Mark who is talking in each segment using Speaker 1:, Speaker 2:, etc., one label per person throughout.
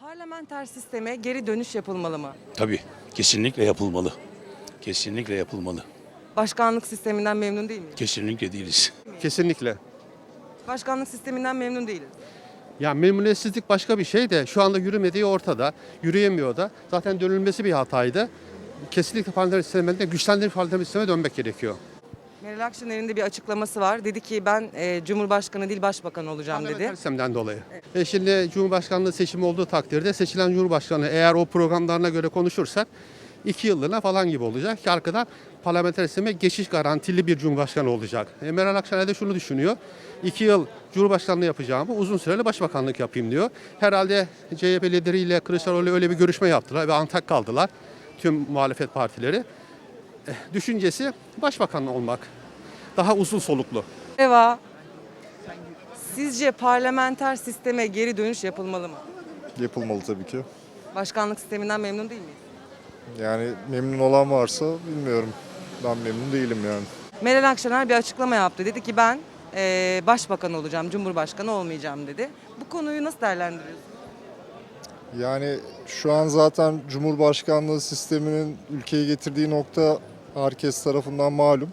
Speaker 1: Parlamenter sisteme geri dönüş yapılmalı mı?
Speaker 2: Tabii, kesinlikle yapılmalı. Kesinlikle yapılmalı.
Speaker 1: Başkanlık sisteminden memnun değil miyiz?
Speaker 2: Kesinlikle değiliz.
Speaker 3: Kesinlikle.
Speaker 1: Başkanlık sisteminden memnun değiliz.
Speaker 3: Ya memnuniyetsizlik başka bir şey de şu anda yürümediği ortada. Yürüyemiyor da. Zaten dönülmesi bir hataydı. Kesinlikle parlamenter sisteminde güçlendirilmiş parlamenter sisteme dönmek gerekiyor.
Speaker 1: Meral Akşener'in de bir açıklaması var. Dedi ki ben Cumhurbaşkanı değil Başbakan olacağım
Speaker 3: Parlamenter
Speaker 1: dedi.
Speaker 3: sistemden dolayı. Şimdi Cumhurbaşkanlığı seçimi olduğu takdirde seçilen Cumhurbaşkanı eğer o programlarına göre konuşursak 2 yıllığına falan gibi olacak ki arkadan parlamenter sisteme geçiş garantili bir Cumhurbaşkanı olacak. Meral Akşener de şunu düşünüyor. 2 yıl Cumhurbaşkanlığı yapacağımı uzun süreli başbakanlık yapayım diyor. Herhalde CHP lideriyle Kılıçdaroğlu öyle bir görüşme yaptılar ve antak kaldılar tüm muhalefet partileri. Düşüncesi başbakan olmak. Daha uzun soluklu.
Speaker 1: Eva, sizce parlamenter sisteme geri dönüş yapılmalı mı?
Speaker 4: Yapılmalı tabii ki.
Speaker 1: Başkanlık sisteminden memnun değil miyiz?
Speaker 4: Yani memnun olan varsa bilmiyorum. Ben memnun değilim yani.
Speaker 1: Meral Akşener bir açıklama yaptı. Dedi ki ben Başbakan olacağım, Cumhurbaşkanı olmayacağım dedi. Bu konuyu nasıl değerlendiriyorsunuz?
Speaker 4: Yani şu an zaten Cumhurbaşkanlığı sisteminin ülkeye getirdiği nokta herkes tarafından malum.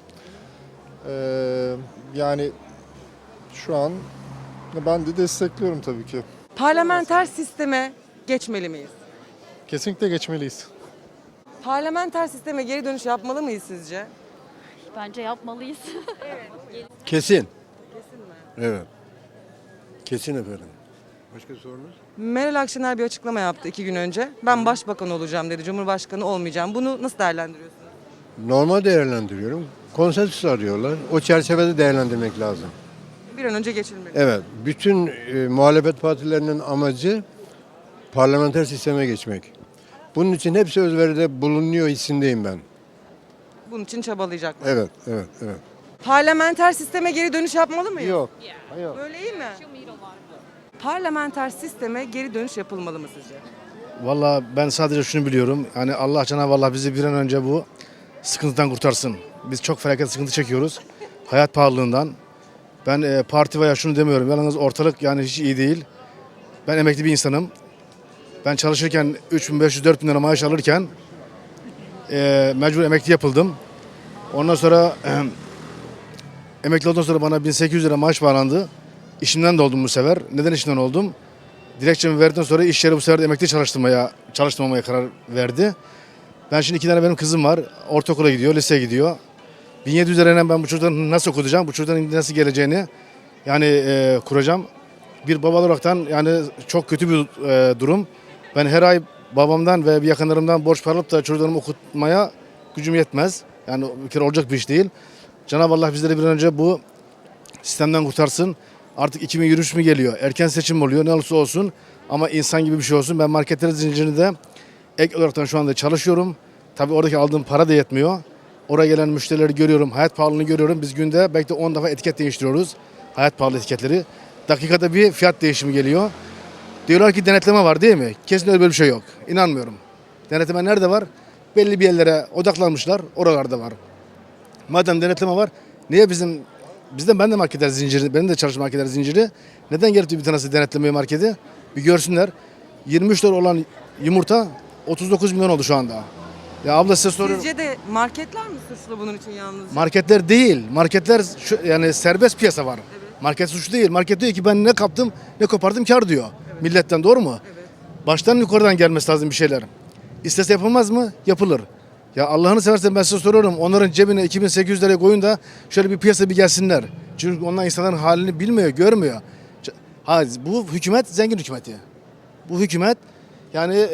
Speaker 4: Yani şu an ben de destekliyorum tabii ki.
Speaker 1: Parlamenter sisteme geçmeli miyiz?
Speaker 4: Kesinlikle geçmeliyiz.
Speaker 1: Parlamenter sisteme geri dönüş yapmalı mıyız sizce?
Speaker 5: Bence yapmalıyız.
Speaker 6: Kesin.
Speaker 1: Kesin mi?
Speaker 6: Evet. Kesin efendim. Başka sorunuz?
Speaker 1: Meral Akşener bir açıklama yaptı 2 gün önce. Ben başbakan olacağım dedi, Cumhurbaşkanı olmayacağım. Bunu nasıl değerlendiriyorsunuz?
Speaker 6: Normal değerlendiriyorum. Konsensüs arıyorlar. O çerçevede değerlendirmek lazım.
Speaker 1: Bir an önce geçilmeli.
Speaker 6: Evet. Bütün muhalefet partilerinin amacı parlamenter sisteme geçmek. Bunun için hepsi özveride bulunuyor hissindeyim ben.
Speaker 1: Bunun için çabalayacaklar.
Speaker 6: Evet, evet, evet.
Speaker 1: Parlamenter sisteme geri dönüş yapmalı mıyız?
Speaker 6: Yok.
Speaker 1: Böyle iyi mi? Parlamenter sisteme geri dönüş yapılmalı mı sizce?
Speaker 7: Valla ben sadece şunu biliyorum. Yani Allah Cenab-ı Allah bizi bir an önce bu sıkıntıdan kurtarsın. Biz çok felaket sıkıntı çekiyoruz. Hayat pahalılığından. Ben parti veya şunu demiyorum. Yalnız ortalık yani hiç iyi değil. Ben emekli bir insanım. Ben çalışırken 3.500-4.000 lira maaş alırken mecbur emekli yapıldım. Ondan sonra emekli olduktan sonra bana 1.800 lira maaş bağlandı. İşimden de oldum bu sefer. Neden işimden oldum? Dilekçemi verdikten sonra iş yeri bu sefer de emekli çalıştırmamaya karar verdi. Ben şimdi 2 tane benim kızım var. Ortaokula gidiyor, liseye gidiyor. 1.700 lirayla ben bu çocukların nasıl okutacağım, bu çocukların nasıl geleceğini yani kuracağım. Bir baba olaraktan yani çok kötü bir durum. Ben her ay babamdan ve yakınlarımdan borç para alıp da çocuklarımı okutmaya gücüm yetmez. Yani bir kere olacak bir iş değil. Cenab-ı Allah bizleri bir an önce bu sistemden kurtarsın. Artık 2023 mi geliyor? Erken seçim oluyor. Ne olursa olsun. Ama insan gibi bir şey olsun. Ben marketler zincirinde ek olaraktan şu anda çalışıyorum. Tabii oradaki aldığım para da yetmiyor. Oraya gelen müşterileri görüyorum. Hayat pahalılığını görüyorum. Biz günde belki de 10 defa etiket değiştiriyoruz. Hayat pahalı etiketleri. Dakikada bir fiyat değişimi geliyor. Diyorlar ki denetleme var değil mi? Kesin öyle bir şey yok. İnanmıyorum. Denetleme nerede var? Belli bir yerlere odaklanmışlar. Oralarda var. Madem denetleme var, niye ben de marketler zinciri, benim de çalışma marketler zinciri. Neden gelip de bir tanesi denetlemeye marketi? Bir görsünler. 23 lira olan yumurta 39 milyon oldu şu anda. Ya abla size soruyorum.
Speaker 1: Sizce de marketler mi suçlu bunun için yalnızca?
Speaker 7: Marketler değil. Marketler yani serbest piyasa var. Evet. Market suçlu değil. Market diyor ki ben ne kaptım ne kopardım kar diyor. Evet. Milletten doğru mu? Evet. Baştan yukarıdan gelmesi lazım bir şeyler. İstese yapılmaz mı? Yapılır. Ya Allah'ını seversen ben size soruyorum. Onların cebine 2.800 liraya koyun da şöyle bir piyasa bir gelsinler. Çünkü onlar insanların halini bilmiyor, görmüyor. Ha, bu hükümet zengin hükümeti. Bu hükümet yani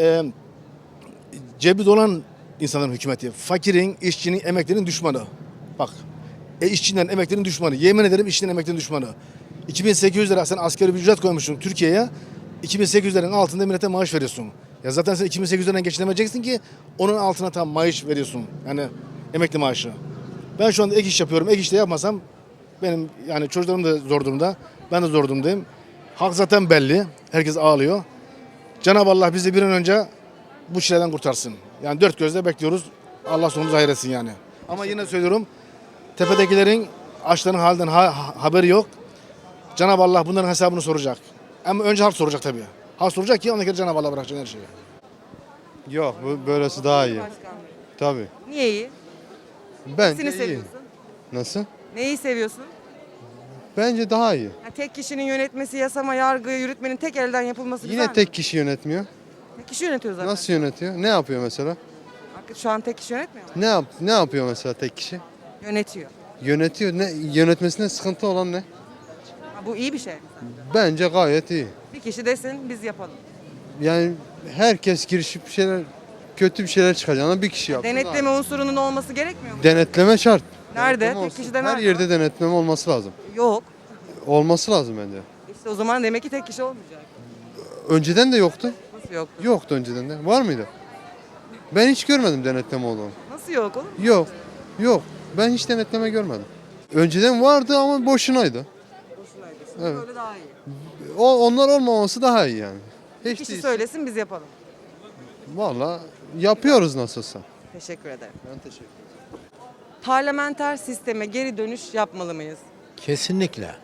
Speaker 7: cebi dolan insanların hükümeti. Fakirin, işçinin, emeklinin düşmanı. Bak. İşçinin, emeklinin düşmanı. Yemin ederim işçinin, emeklinin düşmanı. 2.800 lira sen asgari bir ücret koymuşsun Türkiye'ye. 2.800 liranın altında millete maaş veriyorsun. Ya zaten sen 2.800 liradan geçinemeyeceksin ki onun altına tam maaş veriyorsun. Yani emekli maaşı. Ben şu anda ek iş yapıyorum. Ek iş de yapmasam benim yani çocuklarım da zor durumda. Ben de zor durumdayım. Halk zaten belli. Herkes ağlıyor. Cenab-ı Allah bizi bir an önce bu çileden kurtarsın. Yani dört gözle bekliyoruz. Allah sonumuzu hayır etsin yani. Ama yine söylüyorum. Tepedekilerin açların halinden haberi yok. Cenab-ı Allah bunların hesabını soracak. Ama önce halk soracak tabii. Hasta olacak ki ona göre Cenab-ı Allah bırakacak her şeyi.
Speaker 6: Yok, böylesi daha iyi.
Speaker 1: Başkanlığı.
Speaker 6: Tabii.
Speaker 1: Niye iyi?
Speaker 6: Bence
Speaker 1: Nesini
Speaker 6: iyi.
Speaker 1: seviyorsun?
Speaker 6: Nasıl?
Speaker 1: Neyi seviyorsun?
Speaker 6: Bence daha iyi.
Speaker 1: Ha, tek kişinin yönetmesi, yasama, yargı, yürütmenin tek elden yapılması güzel
Speaker 6: Yine
Speaker 1: mi?
Speaker 6: tek kişi yönetmiyor.
Speaker 1: Tek kişi yönetiyor zaten.
Speaker 6: Nasıl yönetiyor? Ne yapıyor mesela?
Speaker 1: Şu an tek kişi yönetmiyor mu?
Speaker 6: Ne yapıyor mesela tek kişi?
Speaker 1: Yönetiyor.
Speaker 6: Yönetiyor. Yönetmesinde sıkıntı olan ne?
Speaker 1: Ha, bu iyi bir şey.
Speaker 6: Bence gayet iyi.
Speaker 1: Bir kişi desin biz yapalım.
Speaker 6: Yani herkes girişip kötü bir şeyler çıkacağına bir kişi yapsın.
Speaker 1: Denetleme unsurunun olması gerekmiyor mu?
Speaker 6: Denetleme şart.
Speaker 1: Nerede?
Speaker 6: Denetleme
Speaker 1: Tek
Speaker 6: olsun.
Speaker 1: kişide
Speaker 6: Her
Speaker 1: nerede
Speaker 6: yerde
Speaker 1: var?
Speaker 6: denetleme olması lazım.
Speaker 1: Yok.
Speaker 6: Olması lazım bence.
Speaker 1: İşte o zaman demek ki tek kişi olmayacak.
Speaker 6: Önceden de yoktu.
Speaker 1: Nasıl yoktu?
Speaker 6: Yoktu önceden de. Var mıydı? Ben hiç görmedim denetleme olduğunu.
Speaker 1: Nasıl yok oğlum?
Speaker 6: Yok. Yok. Ben hiç denetleme görmedim. Önceden vardı ama boşunaydı.
Speaker 1: Boşunaydı.
Speaker 6: Evet.
Speaker 1: Böyle daha iyi.
Speaker 6: Onlar olmaması daha iyi yani. Hiç
Speaker 1: Kişi
Speaker 6: değil.
Speaker 1: söylesin biz yapalım.
Speaker 6: Valla yapıyoruz nasılsa.
Speaker 1: Teşekkür ederim.
Speaker 6: Ben teşekkür ederim.
Speaker 1: Parlamenter sisteme geri dönüş yapmalı mıyız?
Speaker 8: Kesinlikle.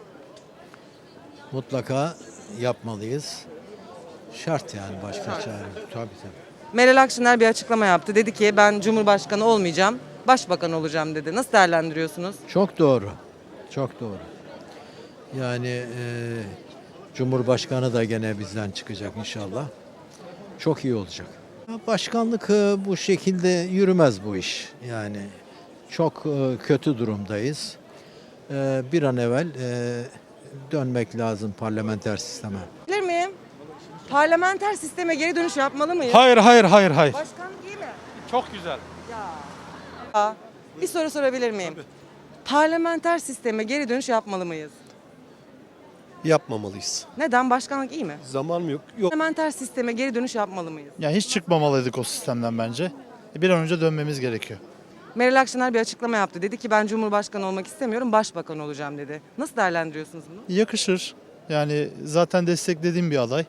Speaker 8: Mutlaka yapmalıyız. Şart yani başka çare yok. Tabii tabii.
Speaker 1: Meral Akşener bir açıklama yaptı. Dedi ki ben Cumhurbaşkanı olmayacağım, başbakan olacağım dedi. Nasıl değerlendiriyorsunuz?
Speaker 8: Çok doğru. Çok doğru. Yani Cumhurbaşkanı da gene bizden çıkacak inşallah. Çok iyi olacak. Başkanlık bu şekilde yürümez bu iş. Yani çok kötü durumdayız. Bir an evvel dönmek lazım parlamenter sisteme.
Speaker 1: Bilir miyim? Parlamenter sisteme geri dönüş yapmalı mıyız?
Speaker 9: Hayır.
Speaker 1: Başkanlık iyi mi?
Speaker 9: Çok güzel.
Speaker 1: Ya. Bir soru sorabilir miyim? Parlamenter sisteme geri dönüş yapmalı mıyız?
Speaker 10: Yapmamalıyız.
Speaker 1: Neden? Başkanlık iyi mi?
Speaker 10: Zaman mı yok? Yok.
Speaker 1: Parlamenter sisteme geri dönüş yapmalı mıyız?
Speaker 9: Yani hiç çıkmamalıydık o sistemden bence. Bir an önce dönmemiz gerekiyor.
Speaker 1: Meral Akşener bir açıklama yaptı. Dedi ki ben Cumhurbaşkanı olmak istemiyorum, başbakan olacağım dedi. Nasıl değerlendiriyorsunuz bunu?
Speaker 9: Yakışır. Yani zaten desteklediğim bir aday.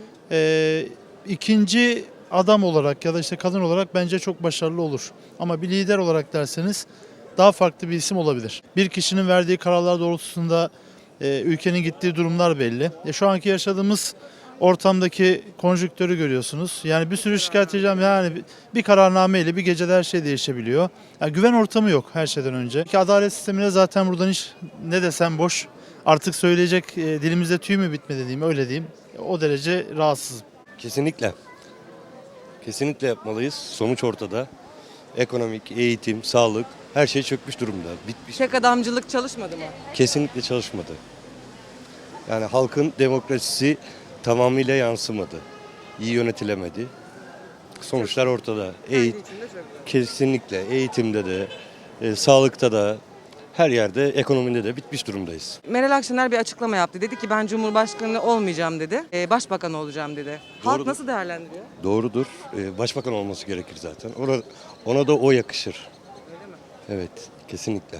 Speaker 9: İkinci adam olarak ya da işte kadın olarak bence çok başarılı olur. Ama bir lider olarak derseniz daha farklı bir isim olabilir. Bir kişinin verdiği kararlar doğrultusunda ülkenin gittiği durumlar belli. Şu anki yaşadığımız ortamdaki konjüktörü görüyorsunuz. Yani bir sürü şikayet edeceğim. Yani bir kararnameyle bir gecede her şey değişebiliyor. Yani güven ortamı yok her şeyden önce. Ki adalet sistemine zaten buradan hiç ne desem boş. Artık söyleyecek dilimizde tüy mü bitmedi diyeyim, öyle diyeyim. O derece rahatsızım.
Speaker 10: Kesinlikle. Kesinlikle yapmalıyız. Sonuç ortada. Ekonomik, eğitim, sağlık her şey çökmüş durumda. Bitmiş.
Speaker 1: Tek adamcılık çalışmadı mı?
Speaker 10: Kesinlikle çalışmadı. Yani halkın demokrasisi tamamıyla yansımadı. İyi yönetilemedi. Sonuçlar ortada.
Speaker 1: Kendi içinde çok.
Speaker 10: Kesinlikle eğitimde de, sağlıkta da, her yerde, ekonomide de bitmiş durumdayız.
Speaker 1: Meral Akşener bir açıklama yaptı. Dedi ki ben Cumhurbaşkanı olmayacağım dedi. Başbakan olacağım dedi. Halk
Speaker 10: Doğrudur.
Speaker 1: nasıl değerlendiriyor?
Speaker 10: Doğrudur. Başbakan olması gerekir zaten. Ona da o yakışır.
Speaker 1: Öyle mi?
Speaker 10: Evet, kesinlikle.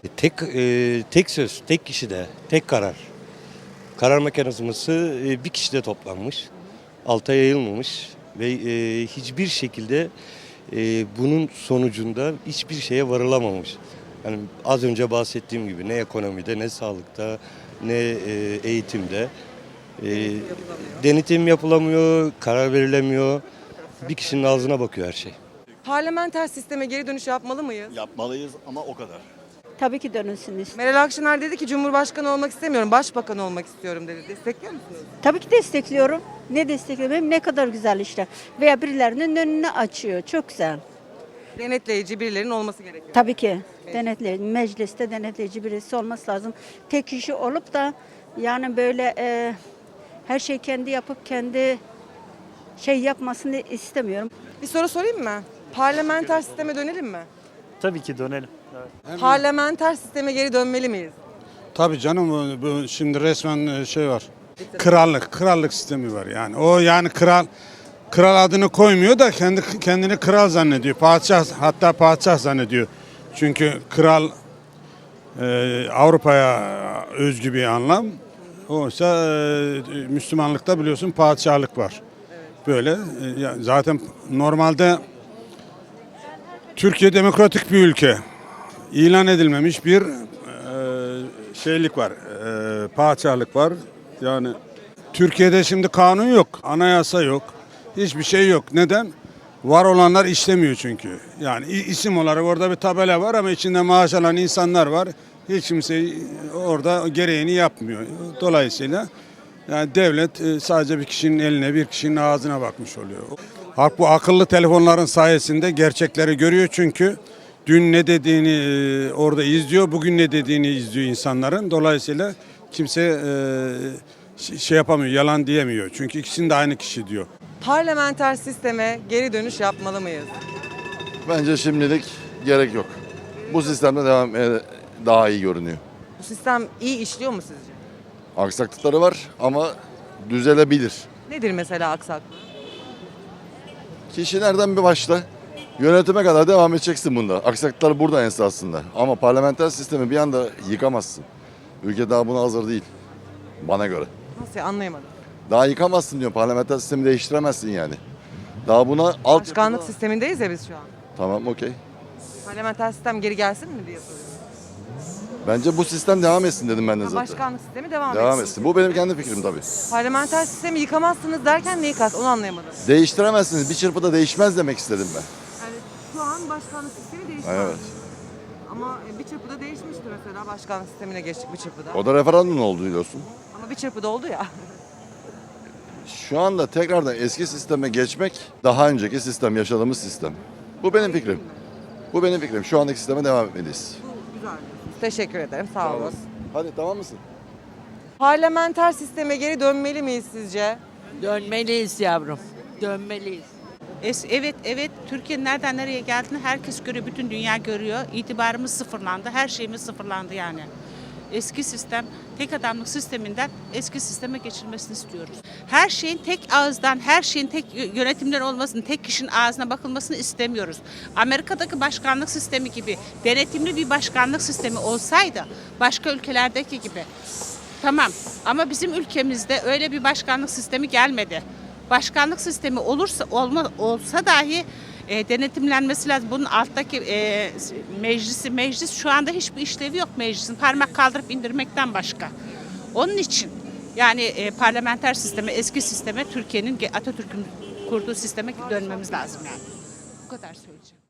Speaker 10: Tek söz, tek kişide, tek karar. Karar mekanizması bir kişide toplanmış, alta yayılmamış ve hiçbir şekilde bunun sonucunda hiçbir şeye varılamamış. Yani az önce bahsettiğim gibi ne ekonomide, ne sağlıkta, ne eğitimde denetim yapılamıyor, karar verilemiyor. Bir kişinin ağzına bakıyor her şey.
Speaker 1: Parlamenter sisteme geri dönüş yapmalı mıyız?
Speaker 2: Yapmalıyız ama o kadar.
Speaker 11: Tabii ki dönülsün istedim.
Speaker 1: Meral Akşener dedi ki Cumhurbaşkanı olmak istemiyorum, başbakan olmak istiyorum dedi. Destekliyor musunuz?
Speaker 11: Tabii ki destekliyorum. Ne destekliyorum? Hem ne kadar güzel işte. Veya birilerinin önünü açıyor. Çok güzel.
Speaker 1: Denetleyici birilerinin olması gerekiyor.
Speaker 11: Tabii ki. Denetleyici, mecliste denetleyici birisi olması lazım. Tek kişi olup da yani böyle her şey kendi yapıp kendi yapmasını istemiyorum.
Speaker 1: Bir soru sorayım mı? Parlamenter sisteme dönelim mi?
Speaker 9: Tabii ki dönelim.
Speaker 1: Parlamenter sisteme geri dönmeli miyiz?
Speaker 12: Tabii canım bu şimdi resmen şey var. Krallık sistemi var yani. O yani kral adını koymuyor da kendini kral zannediyor. Hatta padişah zannediyor. Çünkü kral Avrupa'ya özgü bir anlam. Oysa Müslümanlıkta biliyorsun padişahlık var. Böyle zaten normalde Türkiye demokratik bir ülke. İlan edilmemiş bir şeylik var, padişahlık var. Yani Türkiye'de şimdi kanun yok, anayasa yok, hiçbir şey yok. Neden? Var olanlar işlemiyor çünkü. Yani isim olarak orada bir tabela var ama içinde maaş alan insanlar var. Hiç kimse orada gereğini yapmıyor. Dolayısıyla yani devlet sadece bir kişinin eline, bir kişinin ağzına bakmış oluyor. Halk bu akıllı telefonların sayesinde gerçekleri görüyor çünkü dün ne dediğini orada izliyor, bugün ne dediğini izliyor insanların. Dolayısıyla kimse şey yapamıyor, yalan diyemiyor. Çünkü ikisinin de aynı kişi diyor.
Speaker 1: Parlamenter sisteme geri dönüş yapmalı mıyız?
Speaker 13: Bence şimdilik gerek yok. Bu sistemde devam daha iyi görünüyor.
Speaker 1: Bu sistem iyi işliyor mu sizce?
Speaker 13: Aksaklıkları var ama düzelebilir.
Speaker 1: Nedir mesela aksaklık?
Speaker 13: Kişi nereden bir başla, yönetime kadar devam edeceksin bunda. Aksaklıklar burada esasında. Ama parlamenter sistemi bir anda yıkamazsın. Ülke daha buna hazır değil. Bana göre.
Speaker 1: Nasıl anlayamadım.
Speaker 13: Daha yıkamazsın diyor. Parlamenter sistemi değiştiremezsin yani. Daha buna
Speaker 1: Başkanlık sistemindeyiz ya biz şu an.
Speaker 13: Tamam, okey.
Speaker 1: Parlamenter sistem geri gelsin mi diye soruyorum.
Speaker 13: Bence bu sistem devam etsin dedim ben de
Speaker 1: Ha,
Speaker 13: zaten.
Speaker 1: başkanlık sistemi devam
Speaker 13: Devam etsin. Bu benim kendi fikrim tabii.
Speaker 1: Parlamenter sistemi yıkamazsınız derken neyi kast? Onu anlayamadım.
Speaker 13: Değiştiremezsiniz. Bir çırpıda değişmez demek istedim ben.
Speaker 1: Yani şu an başkanlık sistemi değişti.
Speaker 13: Evet.
Speaker 1: Ama bir çırpıda değişmişti mesela. Başkanlık sistemine geçtik bir çırpıda.
Speaker 13: O da referandum oldu biliyorsun.
Speaker 1: Ama bir çırpıda oldu ya.
Speaker 13: Şu anda tekrardan eski sisteme geçmek daha önceki sistem, yaşadığımız sistem. Bu benim fikrim. Bu benim fikrim. Şu andaki sisteme devam etmeliyiz.
Speaker 1: Güzel. Teşekkür ederim. Sağ olun.
Speaker 13: Hadi tamam mısın?
Speaker 1: Parlamenter sisteme geri dönmeli miyiz sizce?
Speaker 14: Dönmeliyiz yavrum. Dönmeliyiz.
Speaker 5: Evet, Türkiye'nin nereden nereye geldiğini herkes görüyor, bütün dünya görüyor. İtibarımız sıfırlandı, her şeyimiz sıfırlandı yani. Eski sistem, tek adamlık sisteminden eski sisteme geçilmesini istiyoruz. Her şeyin tek ağızdan, her şeyin tek yönetimler olmasını, tek kişinin ağzına bakılmasını istemiyoruz. Amerika'daki başkanlık sistemi gibi denetimli bir başkanlık sistemi olsaydı, başka ülkelerdeki gibi. Tamam ama bizim ülkemizde öyle bir başkanlık sistemi gelmedi. Başkanlık sistemi olsa dahi denetimlenmesi lazım. Bunun alttaki meclis şu anda hiçbir işlevi yok meclisin. Parmak kaldırıp indirmekten başka. Onun için yani parlamenter sisteme, eski sisteme, Türkiye'nin Atatürk'ün kurduğu sisteme dönmemiz lazım yani. Bu kadar söyleyeceğim.